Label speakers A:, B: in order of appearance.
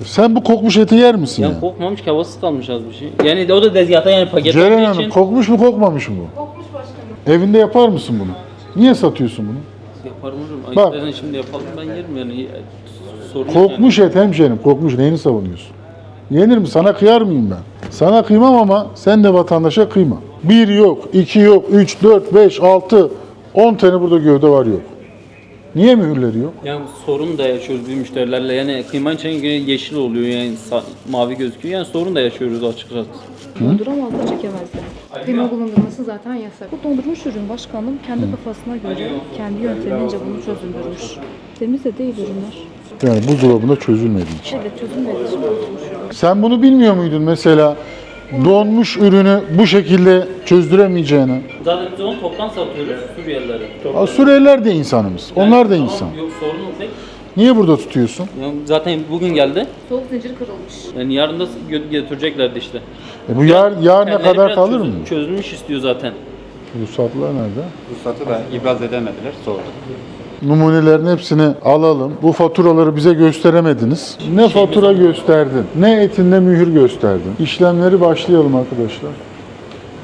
A: Sen bu kokmuş eti yer misin ya?
B: Yani kokmamış ki, havasız kalmış az bir şey. Yani o da tezgahta yani
A: Ceren
B: paketlendiği
A: Hanım
B: için.
A: kokmuş mu kokmamış mı bu?
C: Kokmuş başkanım.
A: Evinde yapar mısın bunu? Niye satıyorsun bunu?
B: Yaparım hocam.
A: Bak.
B: Ayıplarını şimdi yapalım, ben yerim yani. Sorun yok
A: Kokmuş et hemşerim, kokmuş. Neyini savunuyorsun? Yenir mi? Sana kıyar mıyım ben? Sana kıymam ama sen de vatandaşa kıyma. 1 yok, 2 yok, 3, 4, 5, 6, 10 tane burada gövde var yok. Niye mühürleri yok?
B: Yani sorun da yaşıyoruz bir müşterilerle. Yani kıyma için yeşil oluyor, yani mavi gözüküyor. Yani sorun da yaşıyoruz açıkçası.
C: Donduramazlar, çekemezler. Kıyma bulundurması zaten yasak. Bu dondurmuş ürün başkanım kendi kafasına göre, kendi yöntemince bunu çözündürmüş. Temiz de değil ürünler.
A: Yani buzdolabında çözülmediği için.
C: Evet, çözülmediği için bozulmuş ürün.
A: Sen bunu bilmiyor muydun mesela? Donmuş ürünü bu şekilde çözdüremeyeceğini.
B: Zaten biz onu toptan satıyoruz Suriyelilere.
A: Suriyeliler de insanımız. Onlar da
B: Tamam,
A: insan.
B: Yok, sorun yok pek.
A: Niye burada tutuyorsun?
B: Yani zaten bugün geldi.
C: Soğuk zincir kırılmış.
B: Yani yarın da götüreceklerdi işte.
A: Bu yarına
B: Kendileri
A: kadar
B: biraz
A: kalır mı?
B: Çözülmüş istiyor zaten.
A: Ruhsatlar nerede?
D: Ruhsatı da ibraz edemediler, sorduk.
A: Numunelerin hepsini alalım. Bu faturaları bize gösteremediniz. Ne fatura gösterdin, ne etinde mühür gösterdin. İşlemleri başlayalım arkadaşlar.